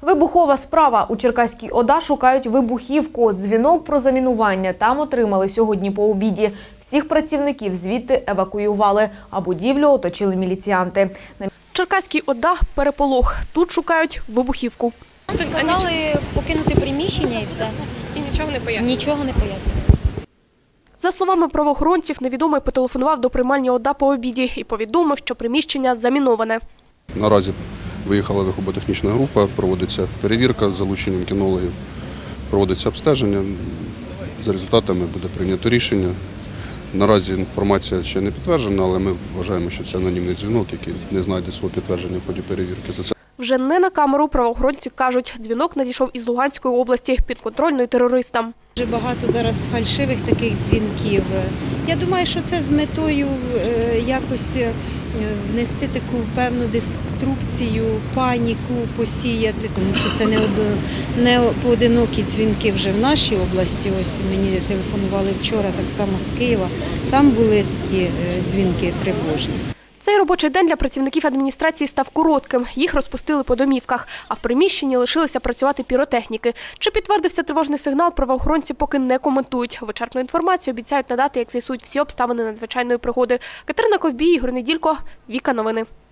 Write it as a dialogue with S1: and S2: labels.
S1: Вибухова справа. У Черкаській ОДА шукають вибухівку. Дзвінок про замінування там отримали сьогодні по обіді. Всіх працівників звідти евакуювали, а будівлю оточили міліціянти.
S2: Черкаській ОДА – переполох. Тут шукають вибухівку.
S3: Сказали покинути приміщення і все.
S2: І нічого не пояснюють?
S3: Нічого не пояснюють.
S2: За словами правоохоронців, невідомий потелефонував до приймальні ОДА по обіді і повідомив, що приміщення заміноване.
S4: Наразі виїхала вихоботехнічна група, проводиться перевірка з залученням кінологів, проводиться обстеження. За результатами буде прийнято рішення. Наразі інформація ще не підтверджена, але ми вважаємо, що це анонімний дзвінок, який не знайде свого підтвердження в ході перевірки. За це
S2: Вже не на камеру правоохоронці кажуть, дзвінок надійшов із Луганської області, підконтрольної терористам.
S5: Дуже багато зараз фальшивих таких дзвінків. Я думаю, що це з метою якось внести таку певну деструкцію, паніку посіяти, тому що це не поодинокі дзвінки вже в нашій області. Ось мені телефонували вчора, так само з Києва. Там були такі дзвінки тривожні.
S2: Цей робочий день для працівників адміністрації став коротким. Їх розпустили по домівках, а в приміщенні лишилися працювати піротехніки. Чи підтвердився тривожний сигнал, правоохоронці поки не коментують. Вичерпну інформацію обіцяють надати, як з'ясують всі обставини надзвичайної пригоди. Катерина Ковбій, Ігор Неділько, Віка Новини.